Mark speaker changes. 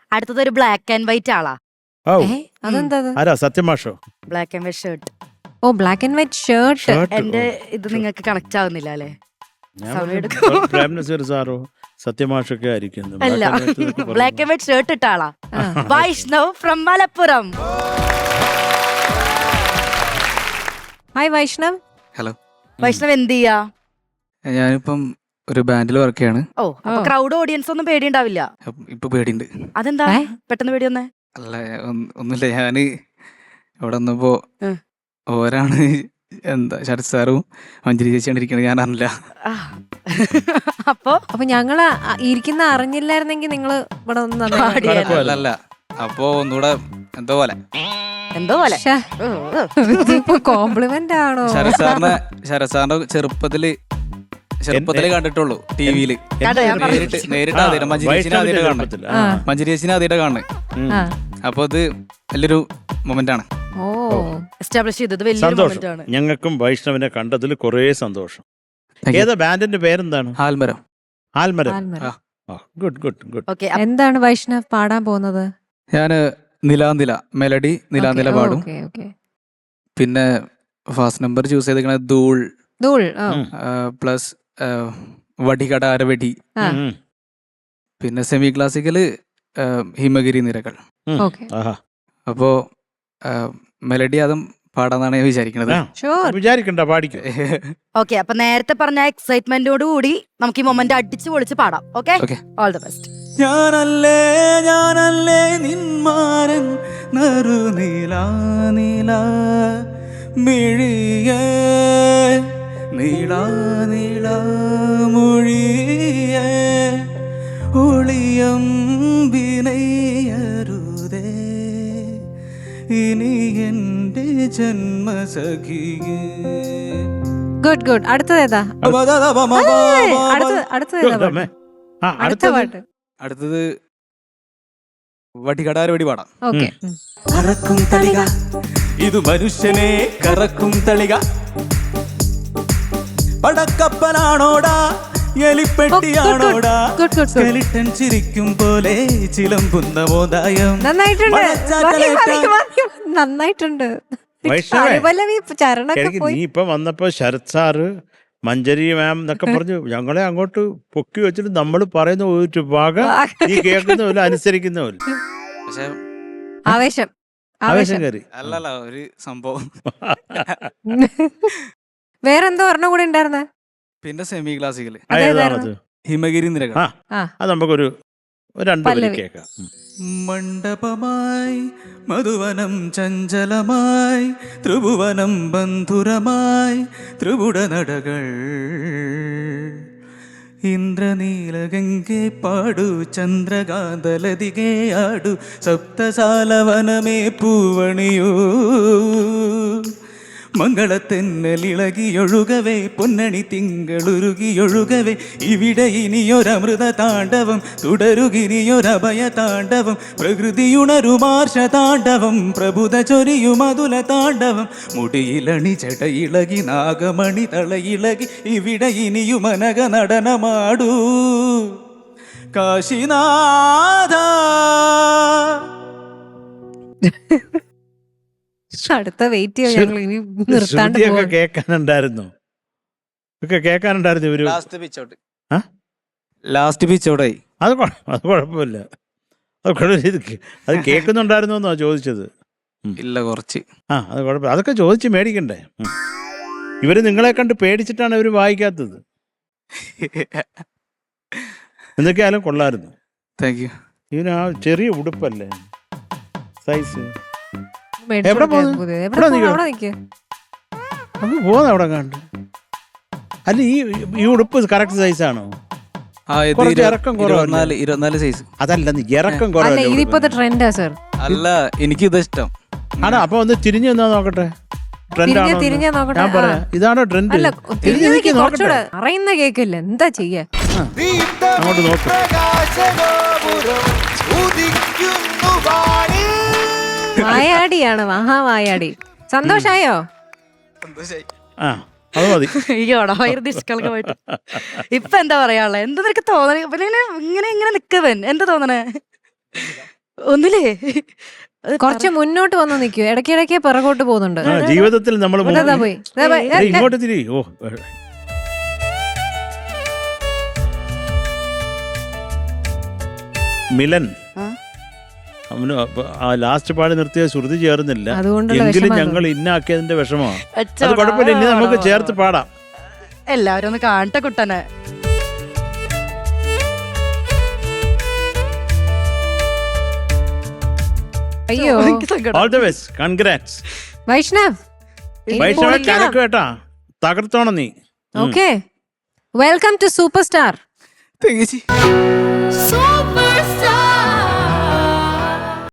Speaker 1: അടുത്തത് ഒരു black and white ആളാ.
Speaker 2: അതെന്താ?
Speaker 3: ആരാ? സത്യമാഷോ?
Speaker 1: Black and white shirt.
Speaker 2: ഓ, ബ്ലാക്ക് ആൻഡ് വൈറ്റ് ഷർട്ട്.
Speaker 1: എന്റെ ഇത് നിങ്ങൾക്ക് കണക്ട് ആവുന്നില്ല അല്ലേ?
Speaker 3: പ്രേം നസീർ സാറോ സത്യമാഷൊക്കെ ആയിരിക്കും.
Speaker 1: അല്ല, ബ്ലാക്ക് ആൻഡ് വൈറ്റ് ഷർട്ട് ഇട്ട ആളാ. Vaishnav from Malappuram.
Speaker 2: Hi Vaishnav.
Speaker 4: Hello.
Speaker 1: Vaishnav എന്ത് ചെയ്യാ?
Speaker 4: ഞാനിപ്പം ഒരു ബാൻഡിൽ വർക്ക് ചെയ്യാണ്.
Speaker 1: ഓ, അപ്പൊ ക്രൗഡ് ഓഡിയൻസ് ഒന്നും പേടിയുണ്ടാവില്ല?
Speaker 4: ഇപ്പൊ പേടിയുണ്ട്.
Speaker 1: അതെന്താ പെട്ടെന്ന് പേടി വന്നേ?
Speaker 4: അല്ല, ഒന്നുമില്ല. ഞാന് ഇവിടെ വന്നപ്പോ ഓരാണ് എന്താ ശരത് സാറും മഞ്ജരി ചേച്ചിയാണ് ഇരിക്കണത്. ഞാൻ അറിഞ്ഞില്ല.
Speaker 1: അപ്പൊ
Speaker 2: ഞങ്ങള് ഇരിക്കുന്ന അറിഞ്ഞില്ലായിരുന്നെങ്കിൽ നിങ്ങള് ഇവിടെ
Speaker 4: അല്ല, അപ്പൊ ഒന്നുകൂടെ എന്തോ പോലെ
Speaker 2: കോംപ്ലിമെന്റ് ആണോ?
Speaker 4: ശരത് സാറിന്റെ ചെറുപ്പത്തില് കണ്ടിട്ടുള്ളൂ ടിവിയില്. നേരിട്ട് ആദ്യം മഞ്ജരി ചേച്ചിനെ ആദ്യമായിട്ട് കാണുന്നത്. അപ്പൊ അത് വലിയൊരു മൊമെന്റ് ആണ്.
Speaker 3: സന്തോഷം. ഞങ്ങൾക്കും വൈഷ്ണവിനെ കണ്ടതിൽ കുറേ സന്തോഷം. ഏതാ ബാൻഡിന്റെ പേരെന്താണ്?
Speaker 4: ആൽമരം.
Speaker 3: Good good good.
Speaker 2: എന്താണ് വൈഷ്ണവ് പാടാൻ പോകുന്നത്?
Speaker 4: ഞാന് നിലാനില മെലഡി നിലാനില പാടും. പിന്നെ ഫാസ്റ്റ് നമ്പർ ചൂസ് ചെയ്തിരിക്കുന്നത് ധൂൾ പ്ലസ് വടികട അരവടി. പിന്നെ സെമി ക്ലാസിക്കല് ഹിമഗിരി നിരകൾ. അപ്പോ മെലഡി അതും പാടാന്നാണ് ഞാൻ വിചാരിക്കുന്നത്.
Speaker 3: വിചാരിക്കണ്ട, പാടിക്കും.
Speaker 1: ഓക്കെ, അപ്പൊ നേരത്തെ പറഞ്ഞ എക്സൈറ്റ്മെന്റോട് കൂടി നമുക്ക് ഈ മൊമെന്റ് അടിച്ചു പൊളിച്ച് പാടാം. Okay, all the best.
Speaker 4: ഞാനല്ലേ നിന്മാരൻ നറുനീലാ മിഴിയേ നീളാ മൊഴിയേ ഒളിയം വിനയരുതേ ഇനി എന്റെ ജന്മസഖിയേ.
Speaker 2: ഗുഡ്. അടുത്തതേതാ?
Speaker 4: അടുത്തത് വടികടാരവടി പാടാം.
Speaker 2: ഓക്കെ.
Speaker 4: കറക്കും തളിക ഇത് മനുഷ്യനെ കറക്കും തളിക പടക്കപ്പലാണോടാ എലിപ്പെട്ടിയാണോടാ സ്കെലിട്ടൻ ചിരിക്കും പോലെ ചിലമ്പുന്ന മോദായം.
Speaker 2: നന്നായിട്ടുണ്ട്.
Speaker 3: നീ ഇപ്പൊ വന്നപ്പോ ശരത് സാറ് മഞ്ജരി മാം എന്നൊക്കെ പറഞ്ഞു ഞങ്ങളെ അങ്ങോട്ട് പൊക്കി വെച്ചിട്ട് നമ്മൾ പറയുന്ന ഒരു ഭാഗം നീ കേൾക്കുന്നില്ല, അനുസരിക്കുന്നില്ല. ആവേശം കയറി.
Speaker 4: അല്ലല്ല, ഒരു സംഭവം.
Speaker 2: വേറെന്തോ ഒരെണ്ണം കൂടെ ഉണ്ടായിരുന്നേ.
Speaker 4: പിന്നെ സെമി ക്ലാസിക്കല്
Speaker 3: ഹിമഗിരി നിരകൾ. അത് നമുക്കൊരു രണ്ടു കേൾക്കാം.
Speaker 4: മണ്ഡപമായി മധുവനം ചഞ്ചലമായി ത്രിഭുവനം ബന്ധുരമായി ത്രിപുട നടകൾ ഇന്ദ്രനീലഗംഗെ പാടു ചന്ദ്രകാന്തലതികെ ആടു സപ്തസാലവനമേ പൂവണിയൂ മംഗളത്തെന്നലിളകിയൊഴുകവേ പൊന്നണി തിങ്കളുരുകിയൊഴുകവേ ഇവിടെ ഇനിയൊരമൃത താണ്ഡവം തുടരുകിനിയൊരഭയ താണ്ഡവം പ്രകൃതിയുണരുമാർഷ താണ്ഡവം പ്രഭുത ചൊരിയുമതുല താണ്ഡവം മുടിയിലണി ചടയിളകി നാഗമണി തളയിളകി ഇവിടെ ഇനിയുമനക നടനമാടൂ കാശിനാഥ.
Speaker 2: അടുത്ത വെയിറ്റ് നിർത്താണ്ട്
Speaker 3: കേൾക്കാനുണ്ടായിരുന്നു. ഇവര്
Speaker 4: ലാസ്റ്റ് പിച്ചോടെ
Speaker 3: അത് കുഴപ്പമില്ല. അത് കേൾക്കുന്നുണ്ടായിരുന്നു എന്നാ ചോദിച്ചത്.
Speaker 4: ഇല്ല, കുറച്ച്.
Speaker 3: അത് കുഴപ്പമില്ല, അതൊക്കെ ചോദിച്ച് മേടിക്കണ്ടേ. ഇവര് നിങ്ങളെ കണ്ട് പേടിച്ചിട്ടാണ് ഇവര് വായിക്കാത്തത്. എന്തൊക്കെയായാലും കൊള്ളായിരുന്നു.
Speaker 4: Thank you.
Speaker 3: ഇവന് ആ ചെറിയ ഉടുപ്പല്ലേ സൈസ്.
Speaker 2: അവിടെ
Speaker 3: കണ്ട് അല്ല ഈ ഉടുപ്പ് കറക്റ്റ് സൈസാണോ? ഇറക്കം കുറവല്ലേ?
Speaker 4: 24 സൈസ്.
Speaker 3: അതല്ല, ഇറക്കം കുറവല്ലേ?
Speaker 4: അല്ല, എനിക്കിത് ഇഷ്ടം
Speaker 3: ആണ്. അപ്പൊ ഒന്ന് തിരിഞ്ഞു നിന്നാ നോക്കട്ടെ. ഞാൻ പറയാം, ഇതാണോ ട്രെൻഡ്?
Speaker 2: അറിയുന്ന കേക്കില്ല, എന്താ ചെയ്യാ?
Speaker 3: അങ്ങോട്ട് നോക്ക്.
Speaker 2: വായാടിയാണ്, മഹാവായാടി. സന്തോഷായോ?
Speaker 3: അത് മതി.
Speaker 1: ഇപ്പൊ എന്താ പറയാനുള്ള? എന്താ നിനക്ക് തോന്നണേ? ഇങ്ങനെ നിക്കവൻ എന്താ തോന്നണേ? ഒന്നില്ലേ അത്
Speaker 2: കുറച്ച് മുന്നോട്ട് വന്ന് നിൽക്കൂ, ഇടയ്ക്കിടയ്ക്ക് പിറകോട്ട് പോകുന്നുണ്ട്.
Speaker 3: ജീവിതത്തിൽ നമ്മൾ
Speaker 2: ഇതാ പോയി, ഇതാ പോയി.
Speaker 3: ഇങ്ങോട്ട് തിരി. ഓ മിലൻ
Speaker 1: ആ?
Speaker 3: അവന് ആ ലാസ്റ്റ് പാടി നിർത്തിയ ശ്രുതി ചേർന്നില്ല.
Speaker 2: അതുകൊണ്ടുള്ള
Speaker 3: എങ്കിലും
Speaker 2: വിഷമം
Speaker 3: ഞങ്ങൾ ഇന്നാക്കിയതിന്റെ വിഷമമാണ്. അത്
Speaker 1: അച്ചോടാ.
Speaker 3: കുഴപ്പമില്ല, ഇനി നമുക്ക് ചേർത്ത് പാടാം.
Speaker 1: എല്ലാവരും ഒന്ന് കാണട്ടെ കുട്ടനെ.
Speaker 2: അയ്യോ
Speaker 1: എനിക്ക് സങ്കടം.
Speaker 3: All the best, congrats.
Speaker 2: Vaishnav,
Speaker 3: വൈഷ്ണവ കലക്ക് കേട്ടാ, തകർത്തോണം നീ.
Speaker 2: Okay, welcome to super star.
Speaker 4: തേങ്ങച്ചി
Speaker 5: So